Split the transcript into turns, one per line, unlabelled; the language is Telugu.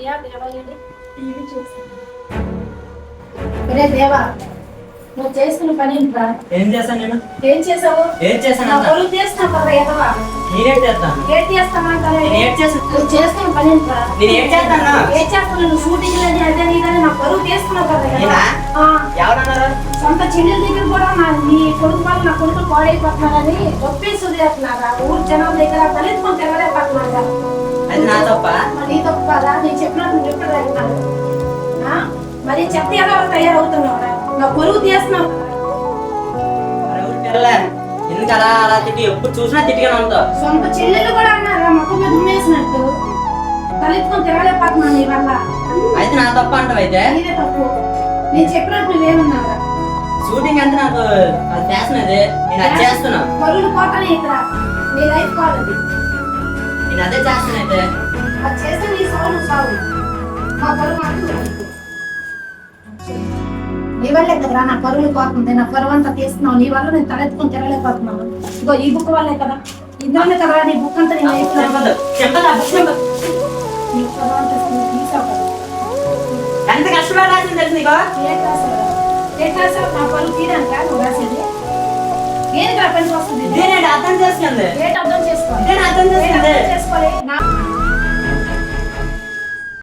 ప్రియా దేవాలయండి టీవీ చూస్తాను. ఒరే దేవా, నువ్వు చేస్తున్న పని ఏంట్రా?
ఏం చేశాను నేను?
ఏం చేసావు?
ఏం చేశాను?
నా పొరుగు చేస్తున్నావు కదా ఎదవా.
నేనేం చేస్తాను?
ఏం చేస్తామంటావే?
ఏం చేస్తాను?
నువ్వు చేస్తున్న పని ఏంట్రా?
నేను ఏం చేస్తాను?
ఏం చేస్తున్నావు? నువ్వు షూటింగ్ లేదు అదే నీదని నా పొరుగు చేస్తున్నావు కదా ఎదవా.
నేనా?
ఆ,
ఎవరన్నారు?
సొంత చెల్లెల దగ్గర కూడా నీ కొడుకు వాళ్ళు నా కొడుకు పాడైపోతున్నారని ఒప్పేసి వదిలేస్తున్నారా? ఊరు జనాల దగ్గర తలెత్తుకొని తిరగలేకపోతున్నారా?
అది నా తప్ప.
మరి తప్పు కదా, నేను చెప్పినట్టు నువ్వు ఎప్పుడు తగ్గుతాను? మరి చెప్తే ఎలా తయారవుతున్నావు? నా పొరుగు తీస్తున్నావు.
ఎవరు పిల్లలే? ఎందుకు అలా అలా తిట్టి ఎప్పుడు చూసినా తిట్టిగానే ఉంటావు?
సొంత చెల్లెలు కూడా అన్నారా మొక్క మీద ఉమ్మేసినట్టు? తలెత్తుకొని తిరగలేకపోతున్నాను నీ వల్ల.
అయితే నా తప్ప అంటావు? అయితే
నీదే తప్పు. నేను చెప్పినట్టు నువ్వేమన్నారా?
షూటింగ్ అంటే నాకు అది ఫ్యాషన్. అది నేను అది చేస్తున్నా.
పరువులు పోతానే ఇక్కడ నీ లైఫ్ కాదు అది.
నేను అదే చేస్తున్నా. అయితే
అది చేస్తే నీ సాగు నువ్వు సాగు. మా పరువు మాత్రం నీ వల్లే కదరా నా పరువులు పోతుంది. నా పరువు అంతా తీస్తున్నావు. నీ వల్ల నేను తలెత్తుకొని తిరగలేకపోతున్నాను. ఇగో ఈ బుక్ వల్లే కదా, ఇందులోనే కదరా నీ బుక్ అంతా నేను
చెప్పదు. చెప్పదు. ఆ బుక్ చెప్పదు.
నీ పరువు అంతా తీసావు కదా.
ఎంత కష్టపడి రాసింది తెలుసు నీకు?
ఏ క్లాస్ నా పరువు తీయడానికా నువ్వు రాసేది? దేనికి పనికి వస్తుంది?
ఇదే నేను అర్థం చేసుకుంది.
ఏంటి అర్థం చేసుకోవాలి?
ఇదే నేను అర్థం చేసుకుంది.
చేసుకోవాలి.